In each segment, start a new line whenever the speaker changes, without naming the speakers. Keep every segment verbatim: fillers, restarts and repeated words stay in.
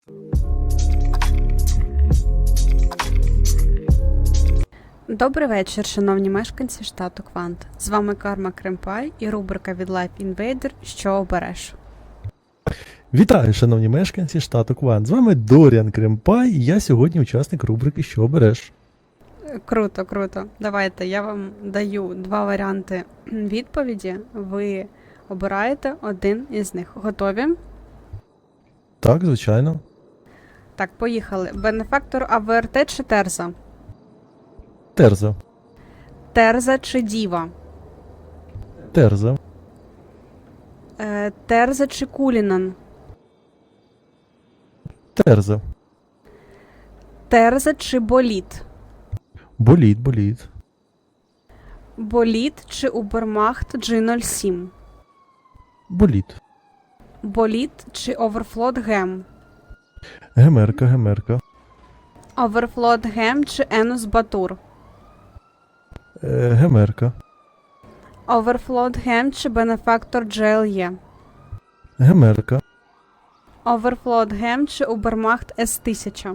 Добрий вечір, шановні мешканці штату Квант. З вами Карма Кремпай і рубрика від Life Invader «Що обереш?».
Вітаю, шановні мешканці штату Квант. З вами Доріан Кремпай, і я сьогодні учасник рубрики «Що обереш?».
Круто, круто. Давайте, я вам даю два варіанти відповіді. Ви обираєте один із них. Готові?
Так, звичайно.
Так, поїхали. Бенефактор АВРТ чи Терза?
Терза.
Терза чи Діва?
Терза.
Е, Терза чи Кулінан?
Терза.
Терза чи Боліт?
Боліт, боліт.
Боліт чи Убермахт джі нуль сім?
Боліт.
Боліт чи Оверфлот Гем?
Гемерка, гемерка.
Оверфлот Гем чи Енус Батур?
Е, гемерка.
Оверфлот Гем чи Бенефактор джі ел є?
Гемерка.
Оверфлот Гем чи Убермахт ес тисяча?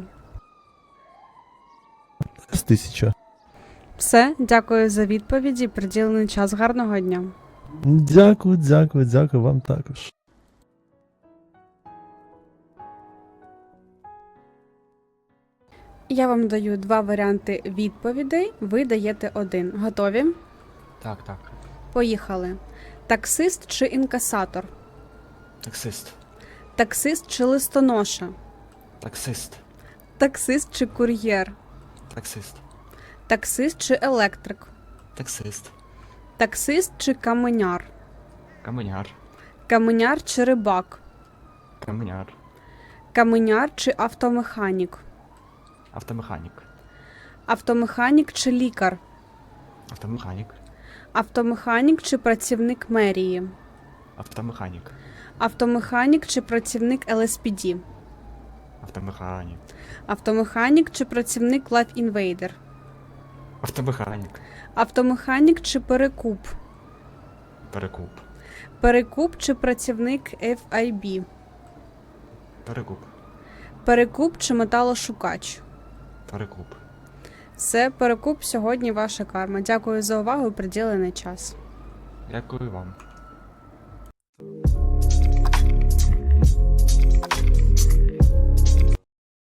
С тисяча.
Все, дякую за відповіді. Приділений час. Гарного дня.
Дякую, дякую, дякую вам також.
Я вам даю два варіанти відповідей. Ви даєте один. Готові?
Так, так.
Поїхали. Таксист чи інкасатор?
Таксист.
Таксист чи листоноша?
Таксист.
Таксист чи кур'єр?
Таксист.
Таксист чи електрик?
Таксист.
Таксист чи каменяр?
Каменяр.
Каменяр чи рибак?
Каменяр.
Каменяр чи автомеханік?
Автомеханік.
Автомеханік чи лікар?
Автомеханік.
Автомеханік чи працівник мерії?
Автомеханік.
Автомеханік чи працівник ел ес пі ді?
Автомеханік.
Автомеханік чи працівник Life Invader?
Автомеханік.
Автомеханік чи перекуп?
Перекуп.
Перекуп чи працівник еф ай бі?
Перекуп.
Перекуп чи металошукач?
Перекуп.
Все, перекуп сьогодні ваша карма. Дякую за увагу і приділений час.
Дякую вам.